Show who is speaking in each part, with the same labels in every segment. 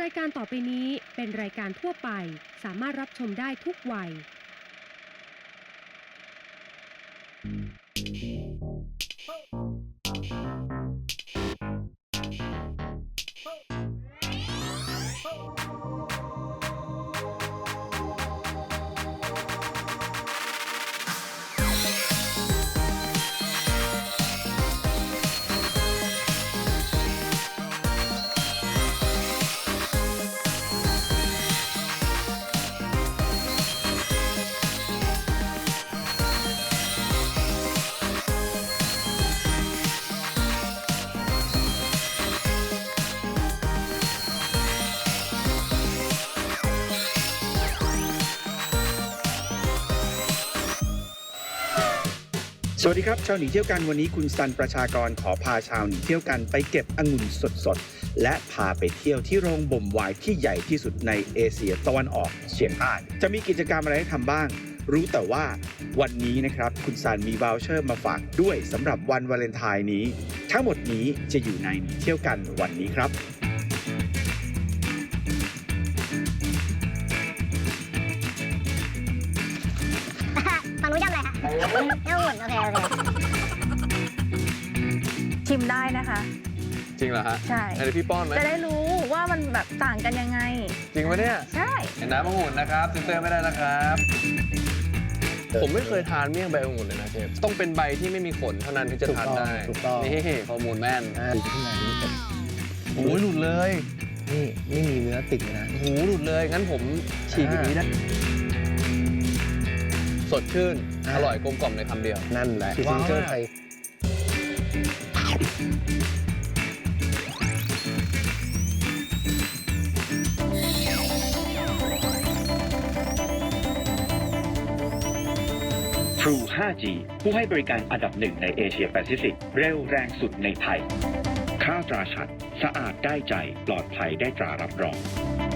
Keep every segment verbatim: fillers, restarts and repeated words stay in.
Speaker 1: ายการต่อไปนี้เป็นรายการทั่วไปสามารถรับชมได้ทุกวัย
Speaker 2: สวัสดีครับชาวหนีเที่ยวกันวันนี้คุณซันประชากรขอพาชาวหนีเที่ยวกันไปเก็บองุ่นสดๆและพาไปเที่ยวที่โรงบ่มไวน์ที่ใหญ่ที่สุดในเอเชียตะวันออกเฉียงใต้จะมีกิจกรรมอะไรให้ทำบ้างรู้แต่ว่าวันนี้นะครับคุณซันมีวาวเชอร์มาฝากด้วยสำหรับวันวาเลนไทน์นี้ทั้งหมดนี้จะอยู่ในหนีเที่ยวกันวันนี้ครับ
Speaker 3: ฝั่งนู้นย่ำอะไรคะย่ำหุ่นโอเคโอเค
Speaker 4: ชิมได้นะคะ
Speaker 5: จริงเหรอฮะ
Speaker 4: ใช่
Speaker 5: เดี๋ยวพี่ป้อนไหม
Speaker 4: จะได้รู้ว่ามันแบบต่างกันยังไง
Speaker 5: จริงปะเนี่ย
Speaker 4: ใช่
Speaker 5: เห็นน้ำองุ่นนะครับซิสเตอร์ไม่ได้นะครับผมไม่เคยทานเมี่ยงใบองุ่นเลยนะเชฟต้องเป็นใบที่ไม่มีขนเท่านั้นถึงจะทานได้
Speaker 2: ถูกต้อง
Speaker 5: นี่ข้อมูลแม่น
Speaker 2: ดูข้างในนี้
Speaker 5: โอ้ยหลุดเลย
Speaker 2: นี่ไม่มีเนื้อติดนะ
Speaker 5: โอ้โหหลุดเลยงั้นผมฉีกอย่างนี้ได้สดชื่นอร่อยกลมกล่อมในคำเดียว
Speaker 2: นั่นแหละ
Speaker 5: ว้าว
Speaker 6: True ไฟว์จี ผู้ให้บริการอันดับหนึ่งในเอเชียแปซิฟิกเร็วแรงสุดในไทยค่าตราชัดสะอาดได้ใจปลอดภัยได้ตรารับรอง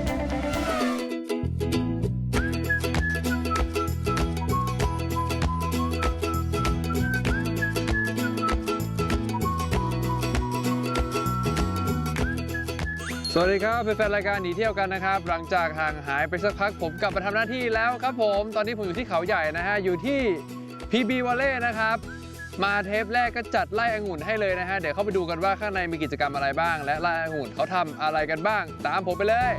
Speaker 5: สวัสดีครับแฟนๆรายการหนีเที่ยวกันนะครับหลังจากห่างหายไปสักพักผมกลับมาทำหน้าที่แล้วครับผมตอนนี้ผมอยู่ที่เขาใหญ่นะฮะอยู่ที่ พี บี Valley นะครับมาเทปแรกก็จัดไล่องุ่นให้เลยนะฮะเดี๋ยวเข้าไปดูกันว่าข้างในมีกิจกรรมอะไรบ้างและไล่องุ่นเขาทำอะไรกันบ้างตามผมไปเลย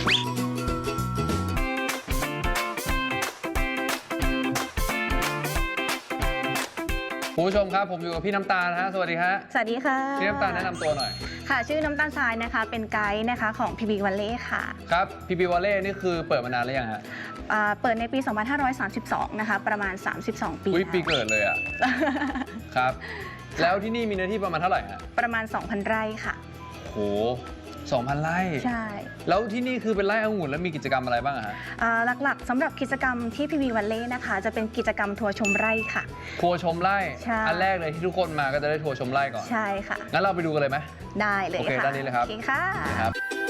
Speaker 5: คุณผู้ชมครับผมอยู่กับพี่น้ำตาลนะฮะสวัสดีครับ
Speaker 4: สวัสดีค่ะ
Speaker 5: พี่น้ำตาลแนะนำตัวหน่อย
Speaker 4: ค่ะชื่อน้ำตาลทรายนะคะเป็นไกด์นะคะของ พี บี Valley ค่ะ
Speaker 5: ครับ พี บี Valley นี่คือเปิดมานานหรือยังฮะ
Speaker 4: เปิดในปี สองพันห้าร้อยสามสิบสอง นะคะประมาณ สามสิบสอง ปี
Speaker 5: อุ้ยปีเกิดเลยอ่ะ ครับแล้วที่นี่มีเนื้อที่ประมาณเท่าไหร่ฮะ
Speaker 4: ประมาณ สองพัน ไร่ค่ะ
Speaker 5: โหสองพัน ไร่
Speaker 4: ใช่
Speaker 5: แล้วที่นี่คือเป็นไร่องุ่นแล้วมีกิจกรรมอะไรบ้างฮะ
Speaker 4: หลักๆสำหรับกิจกรรมที่ พี บี Valley นะคะจะเป็นกิจกรรมทัวร์ชมไร่ค่ะ
Speaker 5: ทัวร์ชมไร่
Speaker 4: ใช่
Speaker 5: อันแรกเลยที่ทุกคนมาก็จะได้ทัวร์ชมไร่ก่อน
Speaker 4: ใช่ค่ะ
Speaker 5: งั้นเราไปดูกันเลยไหม
Speaker 4: ได้เลยค่ะ
Speaker 5: โอเคด้านนี้เลยครับ
Speaker 4: โอเคค่ะ
Speaker 5: ครับ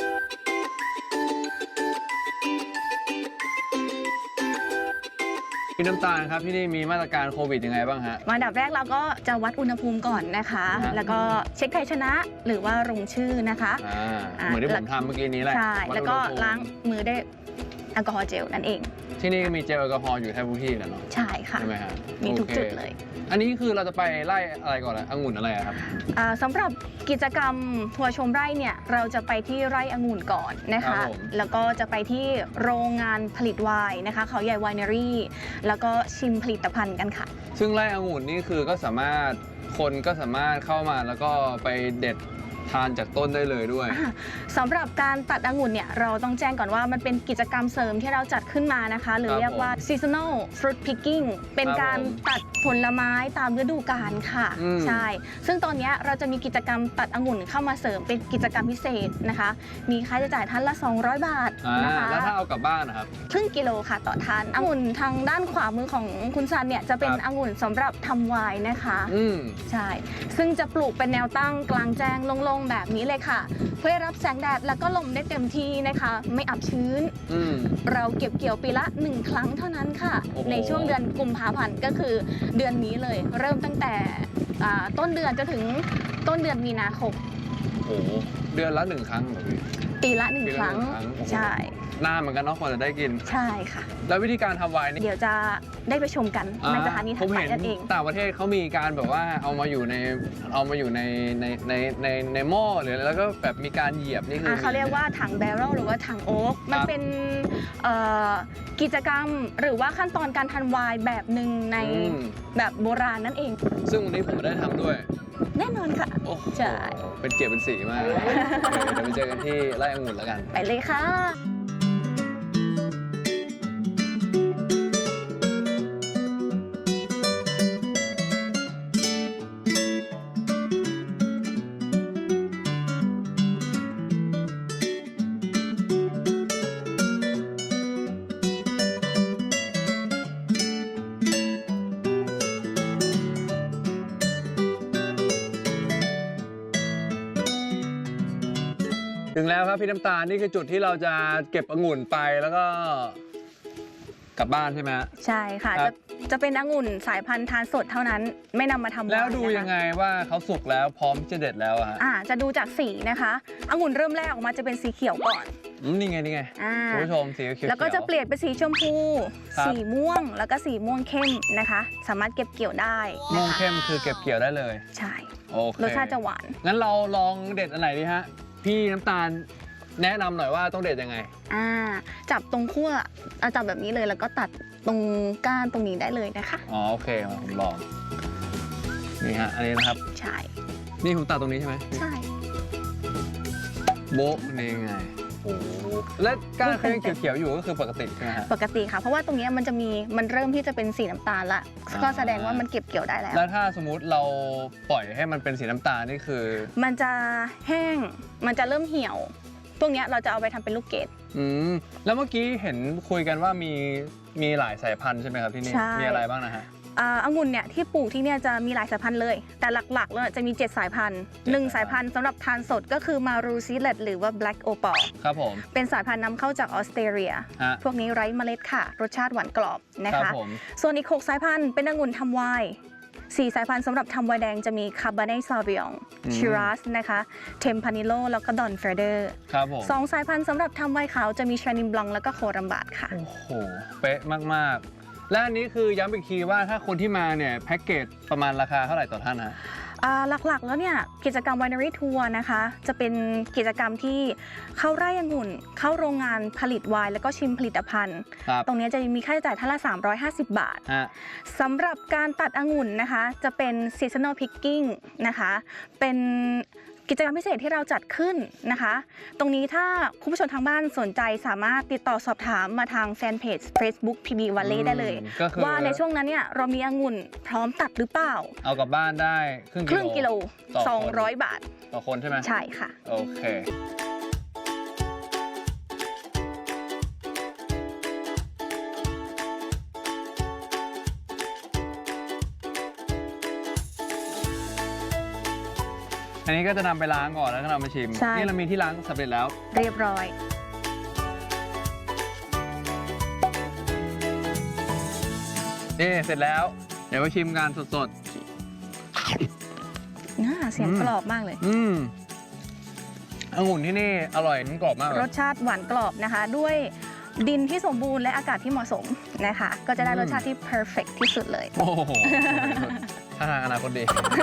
Speaker 5: พี่น้ำตาลครับที่นี่มีมาตรการโควิดยังไงบ้างฮะ
Speaker 4: อันดับแรกเราก็จะวัดอุณหภูมิก่อนนะคะแล้วก็เช็คไทยชนะหรือว่าลงชื่อนะคะ
Speaker 5: เหมือนที่ผมทำเมื่อกี้นี้แหละ
Speaker 4: ใช่แล้วก็ล้างมือด้วยแอลกอฮอล์เจลนั่นเอง
Speaker 5: ที่นี่มีเจลแอลกอฮอล์อยู่แทบทุกที่แหละเนาะ
Speaker 4: ใช่ค่ะ
Speaker 5: ใช่ไหมฮะ
Speaker 4: มีทุกจุดเลย
Speaker 5: อันนี้คือเราจะไปไล่อะไรก่อนล่ะองุ่นอะไรครับ
Speaker 4: สำหรับกิจกรรมทัวร์ชมไร่เนี่ยเราจะไปที่ไร่องุ่นก่อนนะคะแล้วก็จะไปที่โรงงานผลิตไวน์นะคะเขาใหญ่ไวนารี่แล้วก็ชิมผลิตภัณฑ์กันค่ะ
Speaker 5: ซึ่งไร่องุ่นนี่คือก็สามารถคนก็สามารถเข้ามาแล้วก็ไปเด็ดทานจากต้นได้เลยด้วย
Speaker 4: สำหรับการตัดองุ่นเนี่ยเราต้องแจ้งก่อนว่ามันเป็นกิจกรรมเสริมที่เราจัดขึ้นมานะคะหรือเรียกว่า seasonal fruit picking เป็นการตัดผลไม้ตามฤดูกาลค่ะใช่ซึ่งตอนนี้เราจะมีกิจกรรมตัดองุ่นเข้ามาเสริมเป็นกิจกรรมพิเศษนะคะมีค่าใช้จ่ายท่านละสองร้อยบาทนะคะ
Speaker 5: แล้วถ้าเอากลับบ้านนะครับ
Speaker 4: ครึ่งกิโลค่ะต่อท่านองุ่นทางด้านขวามือของคุณซันเนี่ยจะเป็นองุ่นสำหรับทำไวน์นะคะใช่ซึ่งจะปลูกเป็นแนวตั้งกลางแจ้งโล่งแบบนี้เลยค่ะเพื่อรับแสงแดดแล้วก็ลมได้เต็มที่นะคะไม่อับชื้นเราเก็บเกี่ยวปีละหนึ่งครั้งเท่านั้นค่ะในช่วงเดือนกุมภาพันธ์ก็คือเดือนนี้เลยเริ่มตั้งแต่ต้นเดือนจนถึงต้นเดือนมีนาคม
Speaker 5: โอ้เดือนละหนึ่งครั้งเหรอพี่
Speaker 4: ปีละหนึ่ง
Speaker 5: ปี
Speaker 4: ค
Speaker 5: ละ
Speaker 4: รั้ง
Speaker 5: หนึ่งครั้งโอ้โห
Speaker 4: ใช่
Speaker 5: นานเหมือนกันเนาะกว่าจะได้กิน
Speaker 4: ใช่ค่ะ
Speaker 5: แล้ววิธีการทำไวน์นี่
Speaker 4: เดี๋ยวจะได้ไปชมกันในสถานี
Speaker 5: ผ
Speaker 4: ถัด
Speaker 5: ม
Speaker 4: ไป
Speaker 5: เห็น
Speaker 4: นั่นเอง
Speaker 5: ต่างประเทศเขามีการแบบว่าเอามาอยู่ในเอามาอยู่ในในในในในหม้อหรืออะไรแล้วก็แบบมีการเหยียบนี่คือ
Speaker 4: อ่าเขาเรียกว่าถังแบเรลหรือว่าถังโอ๊กมันเป็นเอ่อกิจกรรมหรือว่าขั้นตอนการทำไวน์แบบหนึ่งใน
Speaker 5: อืม
Speaker 4: แบบโบราณนั่นเอง
Speaker 5: ซึ่งวันนี้ผมได้ทำด้วย
Speaker 4: แน่นอนค่ะ
Speaker 5: โอ้โห
Speaker 4: ใช่
Speaker 5: เป็นเกียรติเป็นสีมากเลยเดี๋ยวไปเจอกันที่ไร่องุ่นแล้วกัน
Speaker 4: ไปเลยค่ะ
Speaker 5: ถึงแล้วครับพี่น้ำตาลนี่คือจุดที่เราจะเก็บองุ่นไปแล้วก็กลับบ้านใช่ไหมฮะ
Speaker 4: ใช่ค่ะ
Speaker 5: ครั
Speaker 4: จะ
Speaker 5: บ
Speaker 4: จะเป็นองุ่นสายพันธุ์ทานสดเท่านั้นไม่นำมาทำ
Speaker 5: แล้ว
Speaker 4: ไน์
Speaker 5: ดู
Speaker 4: นะคะ
Speaker 5: ยังไงว่าเขาสุกแล้วพร้อมจะเด็ดแล้วอะฮะ
Speaker 4: อ่าจะดูจากสีนะคะองุ่นเริ่มแรกออกมาจะเป็นสีเขียวก่อน
Speaker 5: อืมนี่ไงนี่ไง
Speaker 4: อ่า
Speaker 5: คุณผู้ชมสีเขียวๆ
Speaker 4: แล้วก็จะเปลี่ยนเป็นสีชมพู
Speaker 5: ครับ
Speaker 4: สีม่วงแล้วก็สีม่วงเข้มนะคะ สามารถเก็บเกี่ยวได้
Speaker 5: ม่
Speaker 4: นะ
Speaker 5: วง
Speaker 4: คะ
Speaker 5: เข้มคือเก็บเกี่ยวได้เลย
Speaker 4: ใช่
Speaker 5: โอเค
Speaker 4: รสชาติจะหวาน
Speaker 5: งั้นเราลองเด็ดอันไหนดีฮะพี่น้ำตาลแนะนำหน่อยว่าต้องเด็ดยังไง
Speaker 4: อ่าจับตรงขั้วเอาจับแบบนี้เลยแล้วก็ตัดตรงก้านตรงนี้ได้เลยนะคะ
Speaker 5: อ๋อโอเคมาผมลองนี่ฮะอันนี้นะครับ
Speaker 4: ใช่
Speaker 5: นี่ผมตัดตรงนี้ใช่ไหม
Speaker 4: ใช่
Speaker 5: โบ๊ะนี่ไงโอ้โหและก้านเขายังเขียวๆอยู่ก็คือปกติใช่ไหมฮะ
Speaker 4: ปกติค่ะ เพราะว่าตรงเนี้ยมันจะมีมันเริ่มที่จะเป็นสีน้ำตาลละ
Speaker 5: อ่า
Speaker 4: ก็แสดงว่ามันเก็บเกี่ยวได้แล้ว
Speaker 5: แล้วถ้าสมมุติเราปล่อยให้มันเป็นสีน้ำตาลนี่คือ
Speaker 4: มันจะแห้งมันจะเริ่มเหี่ยวพวกเนี้ยเราจะเอาไปทำเป็นลูกเกด
Speaker 5: อืมแล้วเมื่อกี้เห็นคุยกันว่ามีมีหลายสายพันธุ์ใช่ไหมครับที่นี่
Speaker 4: ใช่
Speaker 5: มีอะไรบ้างนะฮะ
Speaker 4: อ่าองุ่นเนี่ยที่ปลูกที่เนี่ยจะมีหลายสายพันธุ์เลย แต่หลักๆแล้วจะมี เจ็ด สายพันธุ์หนึ่ง
Speaker 5: เจ็ด
Speaker 4: สายพันธุ์สำหรับทานสดก็คือมารูซีเลตหรือว่า Black Opal
Speaker 5: ครับผม
Speaker 4: เป็นสายพันธุ์นำเข้าจากออสเตรเลีย
Speaker 5: ฮะ
Speaker 4: พวกนี้ไร้เมล็ดค่ะ รสชาติหวานกรอบนะ
Speaker 5: ครั
Speaker 4: คะ
Speaker 5: ผม
Speaker 4: ส่วนอีก หก สายพันธุ์เป็นองุ่นทำไวน์สี่สายพันธุ์สำหรับทำไวน์แดงจะมี Cabernet Sauvignon
Speaker 5: อืม
Speaker 4: Shiraz นะคะ Tempranillo แล้วก็ Don Ferder
Speaker 5: ครับผม
Speaker 4: สองสายพันธุ์สำหรับทำไวน์ขาวจะมี Chenin Blanc แล้วก็โครัมบาดค่ะ
Speaker 5: โอ้โหเป๊ะมากๆ และอันนี้คือย้ำอีกทีว่าถ้าคนที่มาเนี่ยแพ็กเกจประมาณราคาเท่าไหร่ต่อท่านฮะ
Speaker 4: อ่าหลักๆ แล้วเนี่ยกิจกรรม Winery Tour นะคะจะเป็นกิจกรรมที่เข้าไร่องุ่น เข้าโรงงานผลิตไวน์แล้วก็ชิมผลิตภัณฑ์
Speaker 5: ครับ
Speaker 4: ตรงนี้จะมีค่าใช้จ่ายท่านละ สามร้อยห้าสิบ บาท
Speaker 5: ฮะ
Speaker 4: สำหรับการตัดองุ่นนะคะจะเป็น seasonal picking นะคะเป็นกิจกรรมพิเศษที่เราจัดขึ้นนะคะ ตรงนี้ถ้าคุณผู้ชมทางบ้านสนใจสามารถติดต่อสอบถามมาทางแฟนเพจ Facebook พี บี Valley ได้เลย
Speaker 5: อืมก็คือ
Speaker 4: ว่าในช่วงนั้นเนี่ยเรามีองุ่นพร้อมตัดหรือเปล่า
Speaker 5: เอากลับบ้านได้ครึ่ง
Speaker 4: ครึ่งกิโล
Speaker 5: ต่อคน
Speaker 4: สองร้อย บาท
Speaker 5: ต่อคนใช่ไหม
Speaker 4: ใช่ค่ะ
Speaker 5: โอเค อันนี้ก็จะนำไปล้างก่อนแล้วก็นำมาชิม
Speaker 4: ใช่
Speaker 5: นี่เรามีที่ล้างสำเร็จแล้ว
Speaker 4: เรียบร้อย
Speaker 5: นี่เสร็จแล้ว เดี๋ยวมาชิมกันสด
Speaker 4: น่าเสียง
Speaker 5: อืม
Speaker 4: กรอบมากเลย
Speaker 5: ๆ อืมองุ่นที่นี่อร่อยนุ่มกรอบมากเล
Speaker 4: ร
Speaker 5: ย
Speaker 4: สชาติหวานกรอบนะคะ ด้วยดินที่สมบูรณ์และอากาศที่เหมาะสมนะคะ ก็จะได้
Speaker 5: อืม
Speaker 4: รสชาติที่ perfect ที่สุดเลย
Speaker 5: โอ้โหท่าทางอนาคตดี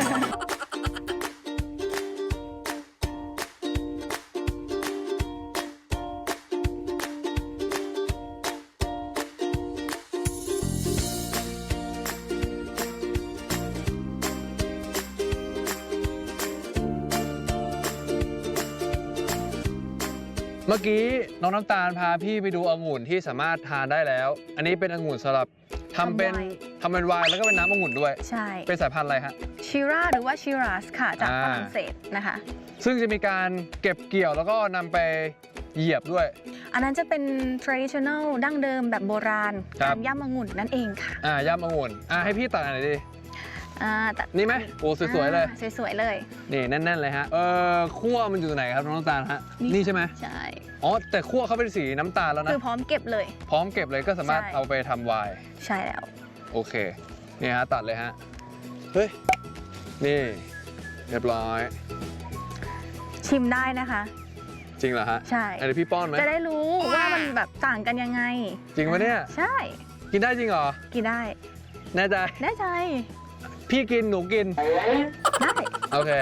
Speaker 5: เมื่อกี้น้องน้ำตาลพาพี่ไปดูองุ่นที่สามารถทานได้แล้ว อันนี้เป็นองุ่นสำหรับทำเป็น
Speaker 4: ทำไวน์
Speaker 5: ทำเป็นไวน์แล้วก็เป็นน้ำองุ่นด้วย
Speaker 4: ใช่
Speaker 5: เป็นสายพันธุ์อะไรฮะ
Speaker 4: ชิราหรือว่าชิรัสค่ะ จาก
Speaker 5: อ่า
Speaker 4: ฝรั่งเศสนะคะ
Speaker 5: ซึ่งจะมีการเก็บเกี่ยวแล้วก็นำไปเหยียบด้วย
Speaker 4: อันนั้นจะเป็น traditional ดั้งเดิมแบบโบราณ
Speaker 5: ครั
Speaker 4: กา
Speaker 5: บ
Speaker 4: รย่ำองุ่นนั่นเองค่ะ
Speaker 5: อ่าย่ำองุ่นอ่าให้พี่ตัดหน่อยดิ
Speaker 4: อ่าแต่
Speaker 5: นี่ไหมโอ้สวยๆเลย
Speaker 4: อ่าสวยๆเลย
Speaker 5: นี่แน่นๆเลยฮะ เออคั่วมันอยู่ไหนครับน้องน้ำตาลฮะ
Speaker 4: นี่
Speaker 5: นี่ใช่ไหม
Speaker 4: ใช่
Speaker 5: อ๋อแต่คั่วเขาเป็นสีน้ำตาลแล้วนะ
Speaker 4: คือพร้อมเก็บเลย
Speaker 5: พร้อมเก็บเลยก็สามารถ
Speaker 4: ใช่
Speaker 5: เอาไปทำไวน์
Speaker 4: ใช่แล้ว
Speaker 5: โอเคนี่ฮะตัดเลยฮะ เฮ้ย นี่ เรียบร้อย
Speaker 4: ชิมได้นะคะ
Speaker 5: จริงเหรอฮะ
Speaker 4: ใช่
Speaker 5: เดี๋ยวพี่ป้อนไหม
Speaker 4: จะได้รู้ว่ามันแบบต่างกันยังไง
Speaker 5: จริงปะเนี่ย
Speaker 4: ใช่
Speaker 5: กินได้จริงเหรอ
Speaker 4: กินได้
Speaker 5: แน่ใจ
Speaker 4: แน่ใจ
Speaker 5: พี่กินหนูกิน
Speaker 4: ได้
Speaker 5: โอเค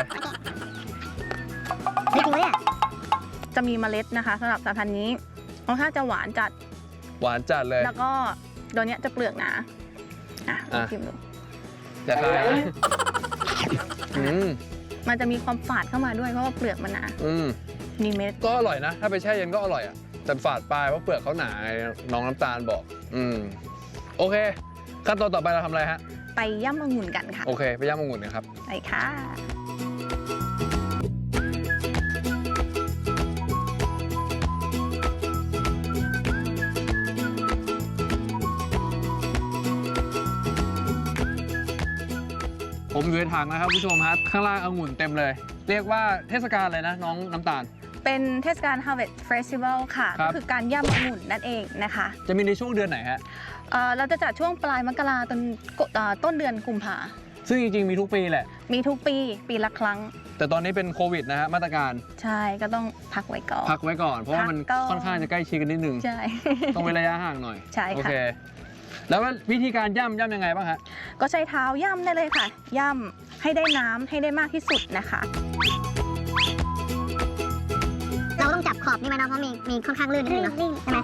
Speaker 3: นี่จริงไหมเนี่ย
Speaker 4: จะมีเมล็ดนะคะสำหรับสายพันธุ์นี้รสชาติจะหวานจัด
Speaker 5: หวานจัดเลย
Speaker 4: แล้วก็ตัวเนี้ยจะเปลือกหนาอ่ะลองชิมดู
Speaker 5: อย่าคายนะอืม
Speaker 4: มันจะมีความฝาดเข้ามาด้วยเพราะว่าเปลือกมันหนา
Speaker 5: อืม
Speaker 4: มีเม็ด
Speaker 5: ก็อร่อยนะ ถ้าไปแช่เย็นก็อร่อยอ่ะ แต่ฝาดปลายเพราะเปลือกเขาหนาไงน้องน้ำตาลบอก อืม โอเค ขั้นตอนต่อไปเราทำอะไรฮะ
Speaker 4: ไปย่ำองุ่นกันค่ะ
Speaker 5: โอเค ไปย่างองุ่นกันครับ
Speaker 4: ไปค่ะ
Speaker 5: ผมอยู่ในถังนะครับผู้ชมฮะข้างล่างองุ่นเต็มเลย เรียกว่าเทศกาลอะไรนะน้องน้ำตาล
Speaker 4: เป็นเทศกาล Harvest Festival ค่ะ
Speaker 5: ครั
Speaker 4: ก็
Speaker 5: บ
Speaker 4: คือการย่ำองุ่นนั่นเองนะคะ
Speaker 5: จะมีในช่วงเดือนไหนฮะ
Speaker 4: เอ่อเราจะจัดช่วงปลายมกราต้นเอ่อต้นเดือนกุมภา
Speaker 5: ซึ่งจริงๆมีทุกปีแหละ
Speaker 4: มีทุกปีปีละครั้ง
Speaker 5: แต่ตอนนี้เป็นโควิดนะฮะมาตรการ
Speaker 4: ใช่ก็ต้องพักไว้ก่อน
Speaker 5: พักไว้ก่อน เพราะว่ามัน
Speaker 4: พักก่อน
Speaker 5: ค่อนข้างจะใกล้ชิดกันนิดนึง
Speaker 4: ใช่
Speaker 5: ต้องเว้นระยะห่างหน่อย
Speaker 4: ใช่ค่ะ
Speaker 5: โอเค แล้วว่าวิธีการย่ำย่ำยังไงบ้างฮะ
Speaker 4: ก็ใช้เท้าย่ำได้เลยค่ะ ย่ำให้ได้น้ำให้ได้มากที่สุดนะคะ
Speaker 3: เราก็ต้องจับขอบนี่ไหมเนาะเพราะมีมีค่อนข้างลื่นนิดนึงเนาะใช่ไหม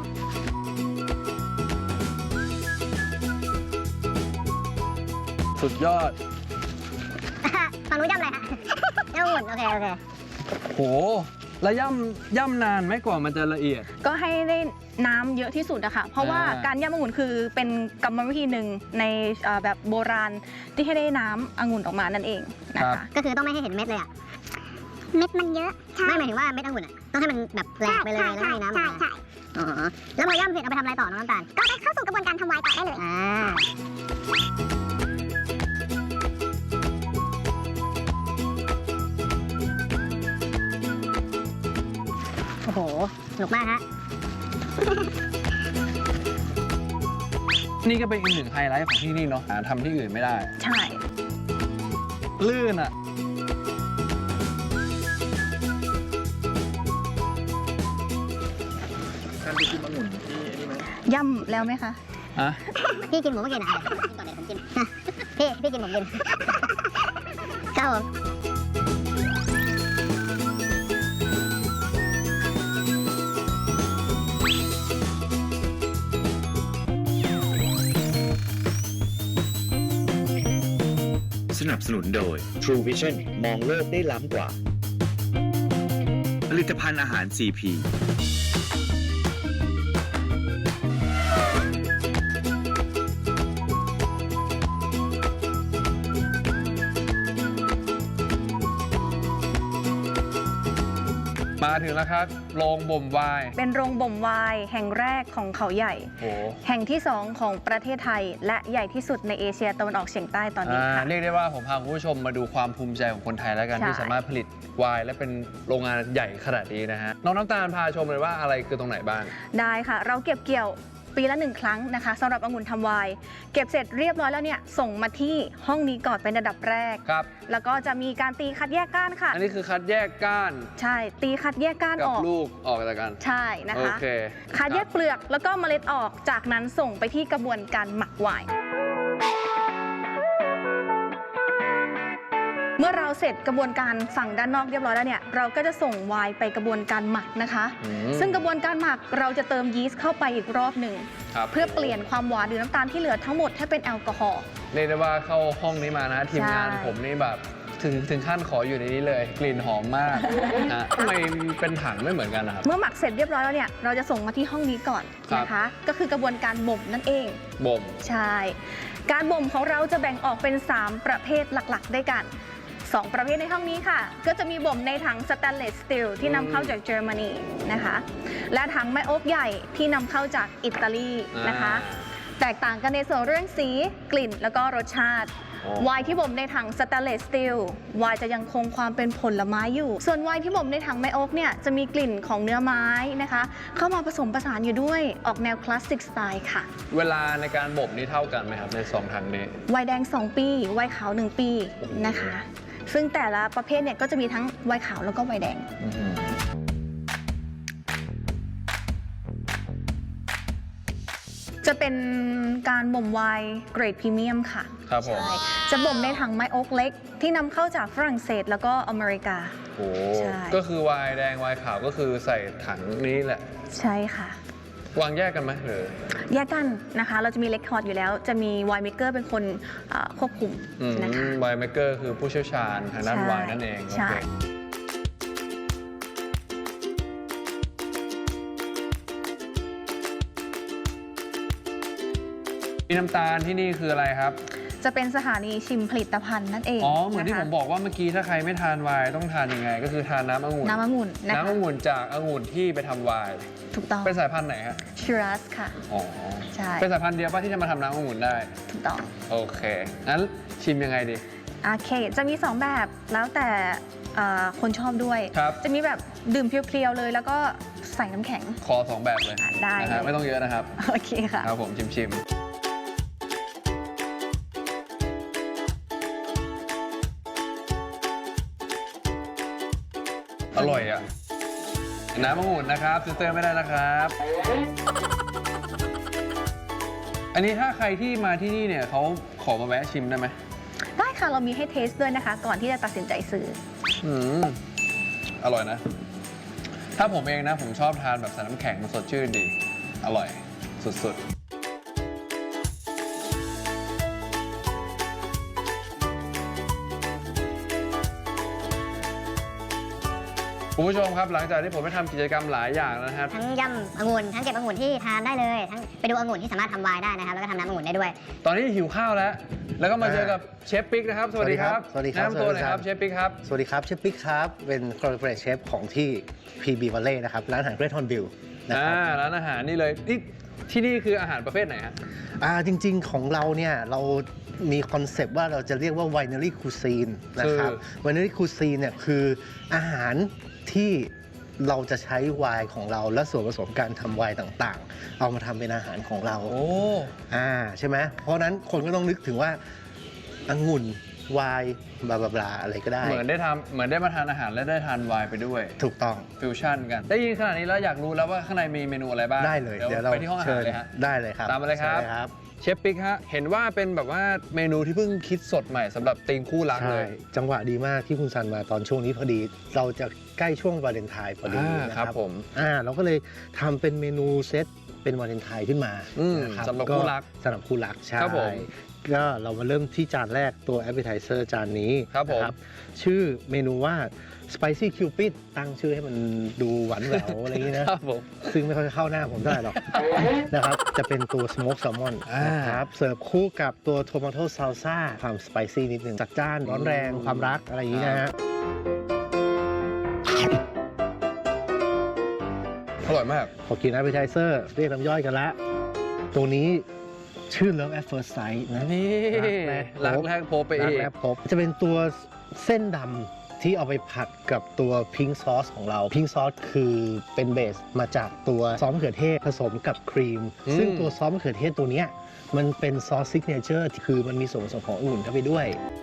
Speaker 5: สุดยอด
Speaker 3: ฝั่งนู้นย่ำอะไรฮะ ย่ำองุ่นโอเคโอเค
Speaker 5: โห แล้วย่ำย่ำนานไหมกว่ามันจะละเอียด
Speaker 4: ก็ให้ได้น้ำเยอะที่สุดอะค่ะ เพราะว่า
Speaker 5: อ่า
Speaker 4: การย่ำองุ่นคือเป็นกรรมวิธีหนึ่งในเอ่อแบบโบราณที่ให้ได้น้ำองุ่นออกมานั่นเองนะคะ
Speaker 3: ก็คือต้องไม่ให้เห็นเม็ดเลยอ่ะ เม็ดมันเยอะ ไม่หมายถึงว่าเม็ดองุ่นอ่ะ ต้องให้มันแบบแหลกไปเลยแล้วมีน้ำออกมาอ๋อแล้วมาย่ำเสร็จเอาไปทำอะไรต่อน้องน้ำตาล ก็ไปเข้าสู่กระบวนการทำไวน์ต่อได้เลย อ่า โอ้โห สนุกมากฮะ
Speaker 5: นี่ก็เป็นอีกหนึ่งไฮไลท์ของที่นี่เนาะหาทำที่อื่นไม่ได้
Speaker 4: ใช่
Speaker 5: ลื่นอ่ะ
Speaker 4: ย่ำแล้วไหมคะ
Speaker 5: อะ
Speaker 3: พี่กินหมูไม่กินอ่ะกินก่อนเดี๋ยวผมกิน พี่ พี่กินผมกิน ครับผม
Speaker 6: สนับสนุนโดย True Vision มองโลกได้ล้ำกว่า ผลิตภัณฑ์อาหาร ซี พี
Speaker 5: มาถึงแล้วครับ โรงบ่มไวน์
Speaker 4: เป็นโรงบ่มไวน์แห่งแรกของเขาใหญ่
Speaker 5: โอ้
Speaker 4: แห่งที่สองของประเทศไทย และใหญ่ที่สุดในเอเชียตะวันออกเฉียงใต้ตอนนี้
Speaker 5: อ่า
Speaker 4: ค่ะ
Speaker 5: เรียกได้ว่าผมพาคุณผู้ชมมาดูความภูมิใจของคนไทยแล้วกัน
Speaker 4: ใช่
Speaker 5: ที่สามารถผลิตไวน์และเป็นโรงงานใหญ่ขนาดนี้นะฮะ น้องน้ำตาลพาชมเลยว่าอะไรคือตรงไหนบ้าง
Speaker 4: ได้ค่ะ เราเก็บเกี่ยวปีละหนึ่งครั้งนะคะสำหรับองุ่นทำไวน์เก็บเสร็จเรียบร้อยแล้วเนี่ยส่งมาที่ห้องนี้ก่อนเป็นระดับแรก
Speaker 5: ครับ
Speaker 4: แล้วก็จะมีการตีคัดแยกก้านค่ะ
Speaker 5: อันนี้คือคัดแยกก้าน
Speaker 4: ใช่ ตีคัดแยกก้าน
Speaker 5: กั
Speaker 4: อบ อก
Speaker 5: ลูกออกจากกัน
Speaker 4: ใช่นะ
Speaker 5: โอ
Speaker 4: คะ
Speaker 5: เค
Speaker 4: คัดแยกเปลือกแล้วก็เมล็ดออกจากนั้นส่งไปที่กระบวนการหมักไวน์เมื่อเราเสร็จกระบวนการฝั่งด้านนอกเรียบร้อยแล้วเนี่ยเราก็จะส่งไวน์ไปกระบวนการหมักนะคะ
Speaker 5: อืม
Speaker 4: ซึ่งกระบวนการหมักเราจะเติมยีสต์เข้าไปอีกรอบหนึ่ง
Speaker 5: ครับ
Speaker 4: เพื่อเปลี่ยนความหวานหรือน้ำตาลที่เหลือทั้งหมดให้เป็นแอลกอฮอล์
Speaker 5: เรียกได้ว่าเข้าห้องนี้มานะทีมงาน
Speaker 4: ใช่
Speaker 5: ผมนี่แบบถึงถึงขั้นขออยู่ในนี้เลย กลิ่นหอมมากนะทำไมเป็นถังไม่เหมือนกันนะครับ
Speaker 4: เมื่อหมักเสร็จเรียบร้อยแล้วเนี่ยเราจะส่งมาที่ห้องนี้ก่อน
Speaker 5: ครับ
Speaker 4: นะคะ ก็คือกระบวนการบ่มนั่นเอง
Speaker 5: บ่ม
Speaker 4: ใช่ การบ่มของเราจะแบ่งออกเป็น สาม ประเภทหลักๆ ด้วยกัน สอง ประเภทในห้องนี้ค่ะ ก็จะมีบ่มในถังสแตนเลสสตีลที่นำเข้าจากเยอรมนีนะคะ และถังไม้โอ๊กใหญ่ที่นำเข้าจากอิตาลีนะคะ แตกต่างกันในส่วนเรื่องสีกลิ่นแล้วก็รสชาติ
Speaker 5: โอ้
Speaker 4: ไวน์ที่บ่มในถังสแตนเลสสตีลไวน์จะยังคงความเป็นผลไม้อยู่ ส่วนไวน์ที่บ่มในถังไม้โอ๊กเนี่ยจะมีกลิ่นของเนื้อไม้นะคะ เข้ามาผสมผสานอยู่ด้วยออกแนวคลาสสิกสไตล์ค่ะ
Speaker 5: เวลาในการบ่มนี่เท่ากันไหมครับในสองถังนี้
Speaker 4: ไวน์แดง สอง ปีไวน์ขาว หนึ่ง ปีนะคะ ซึ่งแต่ละประเภทเนี่ยก็จะมีทั้งไวน์ขาวแล้วก็ไวน์แดง
Speaker 5: อื้อหือ
Speaker 4: จะเป็นการบ่มไวน์เกรดพรีเมียมค่ะ
Speaker 5: ครับผม
Speaker 4: ใช่จะบ่มในถังไม้โอ๊กเล็กที่นำเข้าจากฝรั่งเศสแล้วก็อเมริกา
Speaker 5: โอ้
Speaker 4: ใช่
Speaker 5: ก็คือไวน์แดงไวน์ขาวก็คือใส่ถังนี้แหละ
Speaker 4: ใช่ค่ะ
Speaker 5: วางแยกกันไหมหรือ
Speaker 4: แยกกันนะคะ เราจะมีเลคคอร์ดอยู่แล้ว จะมีไวน์เมกเกอร์เป็นคนเอ่อควบคุม
Speaker 5: อืม
Speaker 4: นะคะ
Speaker 5: ไวน์เมกเกอร์คือผู้เชี่ยวชาญทางด้าน
Speaker 4: ใช่
Speaker 5: ไวน์นั่นเองโอ
Speaker 4: ใช่
Speaker 5: เคมีน้ำตาลที่นี่คืออะไรครับ
Speaker 4: จะเป็นสถานีชิมผลิตภัณฑ์นั่นเอง
Speaker 5: อ๋อ เหมือนที่
Speaker 4: ะ
Speaker 5: ผ
Speaker 4: คะ
Speaker 5: มบอกว่าเมื่อกี้ถ้าใครไม่ทานไวน์ต้องทานยังไง ก็คือทานน้ำองุ่น
Speaker 4: น้ำองุ่นนะคะ
Speaker 5: น้ำองุ่นจากองุ่นที่ไปทำไวน์
Speaker 4: ถูกต้อง
Speaker 5: เป็นสายพันธุ์ไหนฮะ
Speaker 4: ชิรัสค่ะ
Speaker 5: อ๋อ
Speaker 4: ใช่
Speaker 5: เป็นสายพันธุ์เดียวป่ะที่จะมาทำน้ำองุ่นได้
Speaker 4: ถูกต้อง
Speaker 5: โอเค งั้นชิมยังไงดี
Speaker 4: โอเค จะมีสองแบบแล้วแต่เอ่อคนชอบด้วย
Speaker 5: ครับ
Speaker 4: จะมีแบบดื่มเพียวๆเลย แล้วก็ใส่น้ำแข็ง
Speaker 5: คอสองแบบเลย
Speaker 4: อ่ะได้
Speaker 5: นะฮะ
Speaker 4: เลย
Speaker 5: ไม่ต้องเยอะนะครับ
Speaker 4: โอเคค่ะ
Speaker 5: ครับผมชิมชิมอร่อยอ่ะ น้ำองุ่นนะครับซื้อเติมไม่ได้นะครับ อันนี้ถ้าใครที่มาที่นี่เนี่ยเขาขอมาแวะชิมได้ไหม
Speaker 4: ได้ค่ะ เรามีให้เทสด้วยนะคะ ก่อนที่จะตัดสินใจซื้อ
Speaker 5: อืมอร่อยนะ ถ้าผมเองนะ ผมชอบทานแบบใส่น้ำแข็งมันสดชื่นดี อร่อยสุดๆ คุณผู้ชมครับหลังจากที่ผมไปทำกิจกรรมหลายอย่างแล้วนะครับ
Speaker 3: ทั้งยำองุ่นทั้งเก็บองุ่นที่ทานได้เลย ทั้งไปดูองุ่นที่สามารถทำไวน์ได้นะครับ แล้วก็ทำน้ำองุ่นได้ด้วย
Speaker 5: ตอนนี้หิวข้าวแล้ว แล้วก็มาเจอกับเชฟปิ๊กนะครับ สวัสดีครับ
Speaker 7: สวัสดีครับ
Speaker 5: แนะนำตัวหน่อยครับ
Speaker 7: สวัสดีครับ
Speaker 5: เชฟปิ๊กครับ
Speaker 7: สวัสดีครับเชฟปิ๊กครับ เป็น corporate chef ของที่ พี บี Valley นะครับ ร้านอาหาร Great Hornbill นะค
Speaker 5: อ่า
Speaker 7: รับ
Speaker 5: ร้านอาหารนี่เลยนี่ที่นี่คืออาหารประเภทไหนฮะ
Speaker 7: อ่าจริงๆของเราเนี่ย เรามีคอนเซปต์ว่าเราจะเรียกว่า winery cuisine นะครับ winery cuisine เนี่ยคืออาหารที่เราจะใช้ไวน์ของเราและส่วนผสมการทำไวน์ต่างๆ เอามาทำเป็นอาหารของเรา
Speaker 5: โอ้
Speaker 7: อ่าใช่ไหมเพราะฉะนั้นคนก็ต้องนึกถึงว่าองุ่นไวน์บลาบลาบลาอะไรก็ได้
Speaker 5: เหมือนได้ทำเหมือนได้มาทานอาหารและได้ทานไวน์ไปด้วย
Speaker 7: ถูกต้อง
Speaker 5: ฟิวชั่นกัน ได้ยินขนาดนี้แล้วอยากรู้แล้วว่าข้างในมีเมนูอะไรบ้าง
Speaker 7: ได้เลย
Speaker 5: เดี๋ยว
Speaker 7: เดี๋ยวเรา
Speaker 5: ไปที่ห้องอาหารเลยฮะ
Speaker 7: ได้เลยครับ
Speaker 5: ตามมาเลยครับ
Speaker 7: ชิญครับ
Speaker 5: เชฟปิ๊กฮะ เห็นว่าเป็นแบบว่าเมนูที่เพิ่งคิดสดใหม่สำหรับธีมคู่รักเล
Speaker 7: ใช่
Speaker 5: ย
Speaker 7: จังหวะดีมากที่คุณซันมาตอนช่วงนี้พอดี เราจะใกล้ช่วงวาเลนไทน์พอดี
Speaker 5: อ่า
Speaker 7: นะ
Speaker 5: ค
Speaker 7: ค
Speaker 5: รั
Speaker 7: รั
Speaker 5: บบ ผม
Speaker 7: อ่าเราก็เลยทำเป็นเมนูเซตเป็นวาเลนไทน์ขึ้นมา
Speaker 5: อืม
Speaker 7: นะค
Speaker 5: สำหรับคู่รัก
Speaker 7: สำหรับคู่รักใช่
Speaker 5: ครับผม
Speaker 7: ก็เรามาเริ่มที่จานแรกตัว appetizer จานนี้
Speaker 5: ครับผม
Speaker 7: นะชื่อเมนูว่า spicy cupid ตั้งชื่อให้มันดูหวานแหววอะไรอย่างนี้นะ
Speaker 5: ครับผม
Speaker 7: ซึ่งไม่ค่อยเข้าหน้าผมเท่าไหร่หรอก นะครับ จะเป็นตัว smoke salmon
Speaker 5: อ่าน
Speaker 7: นะครับ เสิร์ฟคู่กับตัว tomato salsa ความสไปซี่นิดหนึ่งจัดจ้านร้อนแรงความรักอะไรอย่างนี้นะฮะ
Speaker 5: อร่อยมาก
Speaker 7: พอกิน appetizer เรียกน้ำย่อยกันละ ตัวนี้ชื่อ love at first sight นะ
Speaker 5: นี่
Speaker 7: รั
Speaker 5: รัก
Speaker 7: ก
Speaker 5: แร
Speaker 7: แร
Speaker 5: ก
Speaker 7: ก
Speaker 5: พบไป
Speaker 7: รั
Speaker 5: อี
Speaker 7: ก
Speaker 5: ก
Speaker 7: แรกพบจะเป็นตัวเส้นดำที่เอาไปผัดกับตัวพิงซอสของเราพิงซอสคือเป็นเบสมาจากตัวซอสมะเขือเทศผสมกับครีม
Speaker 5: อืม
Speaker 7: ซึ่งตัวซอสมะเขือเทศตัวเนี้ยมันเป็นซอสซิกเนเจอร์คือมันมีส่วนผสมขององุ่นเข้าไปด้วย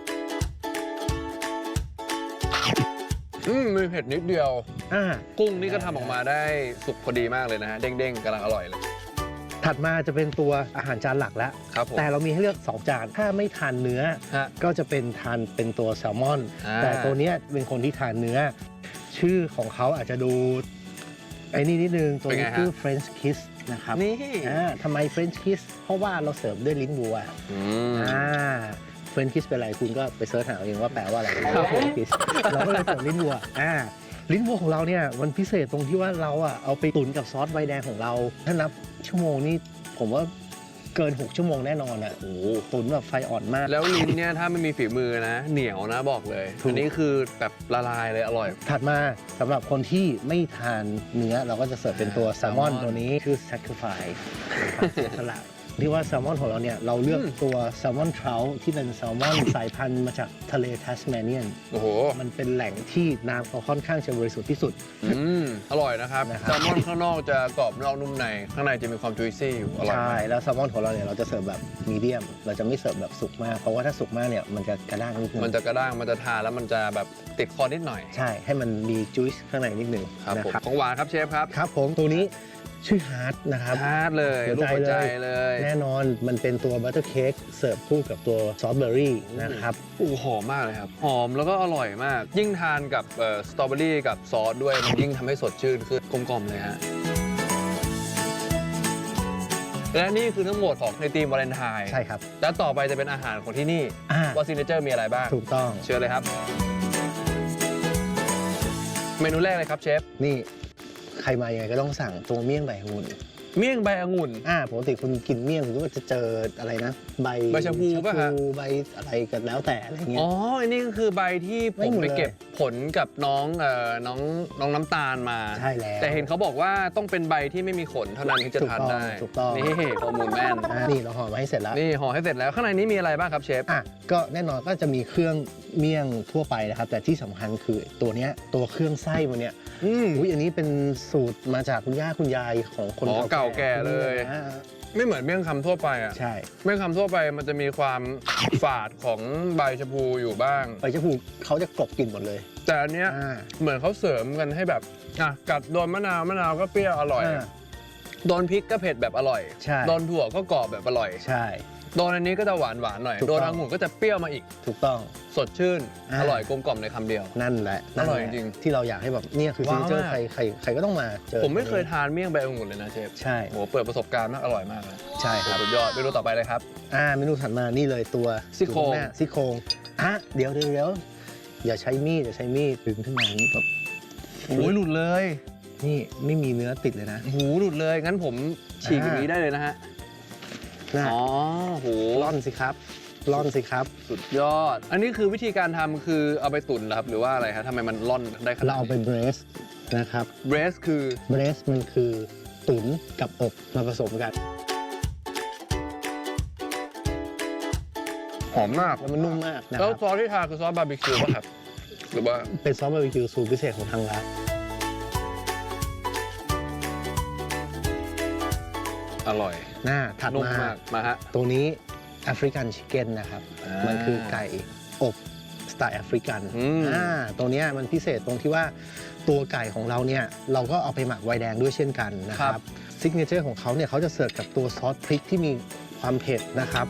Speaker 5: อืมมีเผ็ดนิดเดียว
Speaker 7: อ่า
Speaker 5: กุ้งนี่ก็ทำออกมาได้สุกพอดีมากเลยนะฮะ เด้งๆกำลังอร่อยเลย
Speaker 7: ถัดมาจะเป็นตัวอาหารจานหลักแล้ว
Speaker 5: ครับผม
Speaker 7: แต่เรามีให้เลือกสองจานถ้าไม่ทานเนื้อ
Speaker 5: ฮะ
Speaker 7: ก็จะเป็นทานเป็นตัวแซลมอน
Speaker 5: อ่า
Speaker 7: แต่ตัวเนี้ยเป็นคนที่ทานเนื้อ ชื่อของเขาอาจจะดูไอ้นี่นิดนึง ตัวนี้คือ French Kiss นะครับ
Speaker 5: นี่
Speaker 7: อ่าทำไม French Kiss เพราะว่าเราเสิร์ฟด้วยลิ้นวัว
Speaker 5: อืม
Speaker 7: อ่า French Kiss เป็นอะไรคุณก็ไปเสิร์ชหาเอาเองว่าแปลว่าอะไร
Speaker 5: ครับผม
Speaker 7: French Kiss เราก็เลยเสิร์ฟลิ้นวัวอ่าลิ้นวัวของเราเนี่ยมันพิเศษตรงที่ว่าเราอ่ะเอาไปตุ๋นกับซอสไวน์แดงของเรา ถ้านับชั่วโมงนี่ผมว่าเกินหกชั่วโมงแน่นอนอ่ะโอ้โหตุ๋นแบบไฟอ่อนมาก
Speaker 5: แล้วลิ้นเนี่ยถ้าไม่มีฝีมือนะ เหนียวนะบอกเลย
Speaker 7: ถูก
Speaker 5: อันนี้คือแบบละลายเลยอร่อย
Speaker 7: ถัดมาสำหรับคนที่ไม่ทานเนื้อเราก็จะเสิร์ฟเป็นตัวแซลมอน
Speaker 5: แซลมอน
Speaker 7: ตัวนี้คือ sacrifice สละที่ว่าแซลมอนของเราเนี่ยเราเลือก
Speaker 5: อืม
Speaker 7: ตัวแซลมอนทรัลที่เป็นแซลมอนสายพันธุ์มาจากทะเลทัสเมเนียน
Speaker 5: โอ้โห
Speaker 7: มันเป็นแหล่งที่น้ำเขาค่อนข้างจะบริสุทธิ์ที่สุด
Speaker 5: อืมอร่อยนะครับ
Speaker 7: นะครับ
Speaker 5: แซลมอนข้างนอกจะกรอบนอกนุ่มใน ข้างในจะมีความจุยซี่อยู่ อร่อย
Speaker 7: ใช่
Speaker 5: มาก
Speaker 7: แล้วแซลมอนของเราเนี่ยเราจะเสิร์ฟแบบมีเดียมเราจะไม่เสิร์ฟแบบสุกมาก เพราะว่าถ้าสุกมากเนี่ยมันจะกระด้างนิดนึง
Speaker 5: มันจะกระด้าง มันจะทานแล้วมันจะแบบติดคอนิดหน่อย
Speaker 7: ใช่ให้มันมีจุ๊ยข้างในนิดนึง
Speaker 5: ครับ
Speaker 7: นะ
Speaker 5: ผม
Speaker 7: ครับ
Speaker 5: ของหวานครับเชฟครับ
Speaker 7: ครับผมตัวนี้ชื่อฮาร์ดนะครับ
Speaker 5: ฮาร์ดเลย
Speaker 7: หัว
Speaker 5: รูป
Speaker 7: ใจ
Speaker 5: หัวใจ
Speaker 7: เลย
Speaker 5: เลย
Speaker 7: แน่นอนมันเป็นตัวบัตเตอร์เค้กเสิร์ฟคู่กับตัวซอสเบอร์รี่นะครับ
Speaker 5: โอ้หอมมากเลยครับ หอมแล้วก็อร่อยมาก ยิ่งทานกับเอ่อสตรอเบอรี่กับซอสด้วยมันยิ่งทำให้สดชื่นคือกลมๆเลยฮะและนี่คือทั้งหมดของในทีมวาเลนไทน์
Speaker 7: ใช่ครับ
Speaker 5: แล้วต่อไปจะเป็นอาหารของที่นี่
Speaker 7: อ่า
Speaker 5: ว่าซิกเนเจอร์มีอะไรบ้าง
Speaker 7: ถูกต้อง
Speaker 5: เชิญเลยครับ เมนูแรกเลยครับเชฟ
Speaker 7: นี่ใครมายังไงก็ต้องสั่งตัวเมี่ยงใบองุ่น
Speaker 5: เมี่ยงใบองุ่น
Speaker 7: อ่าปกติคุณกินเมี่ยงคุณก็จะเจออะไรนะ ใบ
Speaker 5: ใบชะพูป่ะฮะ
Speaker 7: ใบอะไรกันแล้วแต่อะไรเงี้
Speaker 5: อ๋
Speaker 7: ย
Speaker 5: อ อันนี้ก็คือใบที่ผ
Speaker 7: ไม่
Speaker 5: ม
Speaker 7: หมด
Speaker 5: ไป
Speaker 7: เลย
Speaker 5: เก็บผลกับน้องเอ่อน้องน้องน้ำตาลมา
Speaker 7: ใช่แล้ว
Speaker 5: แต่เห็นเขาบอกว่าต้องเป็นใบที่ไม่มีขนเท่านั้นถึงจะทานได้
Speaker 7: ถูกต้อง
Speaker 5: นี่ข้อมูลแม่น
Speaker 7: อ่านี่เราห่อมาให้เสร็จแล้ว
Speaker 5: นี่ห่อให้เสร็จแล้วข้างในนี้มีอะไรบ้างครับเชฟ
Speaker 7: อ่ะก็แน่นอนก็จะมีเครื่องเมี่ยงทั่วไปนะครับ แต่ที่สำคัญคือตัวเนี้ยตัวเครื่องไส้มันเนี่ย
Speaker 5: อืม
Speaker 7: อุ้ยอันนี้เป็นสูตรมาจากคุณย่าคุณยายของคน
Speaker 5: อ๋อเก่าแก่เลย
Speaker 7: อ่า
Speaker 5: ไม่เหมือนเมี่ยงคำทั่วไปอ่ะ
Speaker 7: ใช่
Speaker 5: เมี่ยงคำทั่วไปมันจะมีความฝาดของใบชะพูอยู่บ้าง
Speaker 7: ใบชะพูเขาจะกลบกลิ่นหมดเลย
Speaker 5: แต่อันเนี้ย
Speaker 7: อ่า
Speaker 5: เหมือนเขาเสริมกันให้แบบอ่ะกัดโดนมะนาวมะนาวก็เปรี้ยวอร่อย
Speaker 7: อ่า
Speaker 5: โดนพริกก็เผ็ดแบบอร่อย
Speaker 7: ใช่
Speaker 5: โดนถั่วก็กรอบแบบอร่อย
Speaker 7: ใช่
Speaker 5: โดนอันนี้ก็จะหวานหวานๆหน่อย
Speaker 7: ถูก
Speaker 5: โด
Speaker 7: ต้อง
Speaker 5: นองุ่นก็จะเปรี้ยวมาอีก
Speaker 7: ถูกต้อง
Speaker 5: สดชื่น
Speaker 7: อ่า
Speaker 5: อร่อยกลมกล่อมในคำเดียว
Speaker 7: นั่นแหละ
Speaker 5: อร่อย
Speaker 7: นั่นแหละ
Speaker 5: จริง
Speaker 7: ที่เราอยากให้แบบเนี่ยคือซิ
Speaker 5: ว้าว
Speaker 7: งเกิล
Speaker 5: มาก
Speaker 7: ใครใครใครก็ต้องมาเจอ
Speaker 5: ผมไม่เคยทานเมี่ยงใบองุ่นเลยนะเชฟ
Speaker 7: ใช่
Speaker 5: โหเปิดประสบการณ์มากอร่อยมากเลย
Speaker 7: ใช่ครับ
Speaker 5: สุดยอดเมนูต่อไปเลยครับ
Speaker 7: อ่าเมนูถัดมานี่เลยตัว
Speaker 5: ซี่โครง
Speaker 7: อยู่ข้างหน้าซี่โครงอ่ะเดี๋ยวเดี๋ยวเดี๋ยวอย่าใช้มีดอย่าใช้มีดดึงขึ้นมาอย่างนี้แบบ
Speaker 5: โอ้ยหลุดเลย
Speaker 7: นี่ไม่มีเนื้อติดเลยนะ
Speaker 5: โอ้โหหลุดเลยงั้นผมฉีกอย่างนี้ได้เลยนะฮะ
Speaker 7: น่ะ
Speaker 5: อ๋อโห
Speaker 7: ร่อนสิครับร่อนสิครับ
Speaker 5: สุดยอด อันนี้คือวิธีการทำคือเอาไปตุ๋นเหรอครับหรือว่าอะไรครับทำไมมันร่อนได้ขนาด
Speaker 7: เราเอาไป
Speaker 5: นี้
Speaker 7: เบรสนะครับ
Speaker 5: เบรสคือ
Speaker 7: เบรสมันคือตุ๋นกับอบมาผสมกัน
Speaker 5: หอมมาก
Speaker 7: แล้วมันนุ่มมากนะค
Speaker 5: แล้ว
Speaker 7: รับ
Speaker 5: ซอสที่ทาคือซอสบาร์บีคิวป่ะครับหรือว่า
Speaker 7: เป็นซอสบาร์บีคิวสูตรพิเศษของทางร้าน
Speaker 5: อร่อย
Speaker 7: หน้าถัด
Speaker 5: นุ่ม
Speaker 7: มาม
Speaker 5: ากมาฮะ
Speaker 7: ตัวนี้แอฟริกันชิคเก้นนะครับ
Speaker 5: อ่ามั
Speaker 7: มันคือไก่อบสไตล์แอฟริกัน
Speaker 5: อืม
Speaker 7: อ่าตัวเนี้ยมันพิเศษตรงที่ว่าตัวไก่ของเราเนี่ยเราก็เอาไปหมักไวน์แดงด้วยเช่นกันนะครับซิกเนเจอร์ของเขาเนี่ยเขาจะเสิร์ฟกับตัวซอสพริกที่มีความเผ็ดนะครับ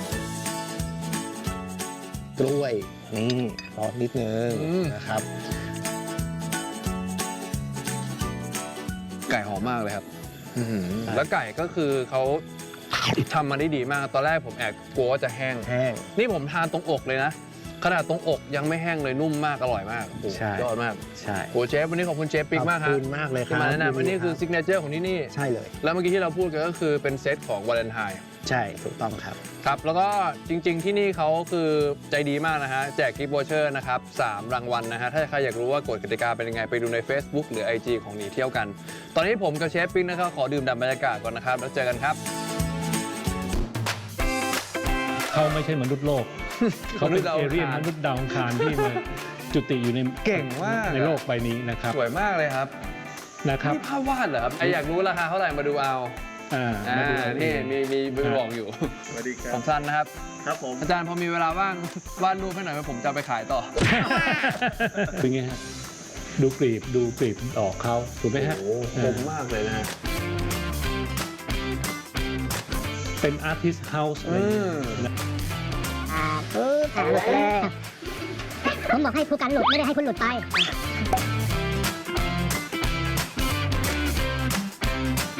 Speaker 7: กล้วยนี่ซอสนิดนึง
Speaker 5: อืม
Speaker 7: นะครับ
Speaker 5: ไก่หอมมากเลยครับอื้อหือแล้วไก่ก็คือเขาทำมาได้ดีมาก ตอนแรกผมแอบกลัวว่าจะแห้ง
Speaker 7: แห้ง
Speaker 5: นี่ผมทานตรงอกเลยนะ ขนาดตรงอกยังไม่แห้งเลยนุ่มมากอร่อยมากโอ้โห
Speaker 7: ใช่
Speaker 5: ยอดมาก
Speaker 7: ใช่
Speaker 5: โอ้เชฟวันนี้ขอบคุณเชฟปิ๊กมากค
Speaker 7: ข
Speaker 5: รั
Speaker 7: อ
Speaker 5: บบ
Speaker 7: คุณมากเลยค
Speaker 5: ที่
Speaker 7: รับ
Speaker 5: มาแนะนำอันนี้คือซิกเนเจอร์ของที่นี่
Speaker 7: ใช่เลย
Speaker 5: แล้วเมื่อกี้ที่เราพูดกันก็คือเป็นเซตของวาเลนไทน์
Speaker 7: ใช่ถูกต้องครับ
Speaker 5: ครับ แล้วก็จริง ๆ ที่นี่เขาคือใจดีมากนะฮะ แจกกิฟต์วอเชอร์นะครับสามรางวัลนะฮะ ถ้าใครอยากรู้ว่ากฎกติกาเป็นยังไง ไปดูใน Facebook หรือ ไอ จี ของหนีเที่ยวกัน ตอนนี้ผมกับเชฟปิ๊กนะครับขอดื่มด่ำบรรยากาศก่อนนะครับ แล้วเจอกันครับ
Speaker 8: เขาไม่ใช่มนุษย์โลก เขาเป็น
Speaker 5: มนุษย์ดาว
Speaker 8: เอ
Speaker 5: อังคาร
Speaker 8: เรียนมนุษย์ดาวอังคารที่มาจุติอยู่ใน
Speaker 5: เก่งมาก
Speaker 8: ในโลกใบนี้นะครับ
Speaker 5: สวยมากเลยครับ
Speaker 8: นะครับ
Speaker 5: นี่ภาพวาดเหรอครับใครอยากรู้ราคาเท่าไหร่มาดูเอา
Speaker 8: อ่า
Speaker 5: อ่า
Speaker 8: มาดูอั
Speaker 5: นี่มีมีมีบอกอยู่
Speaker 2: สวัสดีครั
Speaker 5: ผมสั้นนะครับ
Speaker 2: ครับผม
Speaker 5: อาจารย์พอมีเวลาว่างวาดรูปให้หน่อยไหมผมจะเอาไปขายต่อ
Speaker 8: เป็นไงฮะดูกลีบดูกลีบดอกเขาถูกไหมฮะ
Speaker 5: โอ้โหคมมากเลยนะฮะ
Speaker 8: เป็นอาร์ติสต์เฮาส์อะไรอย่างเงี้ย
Speaker 5: อืม
Speaker 8: นะ
Speaker 3: อ่าปึ๊บอ่าหลุดเลยผมบอกให้ผู้กันหลุดไม่ได้ให้คุณหลุดไป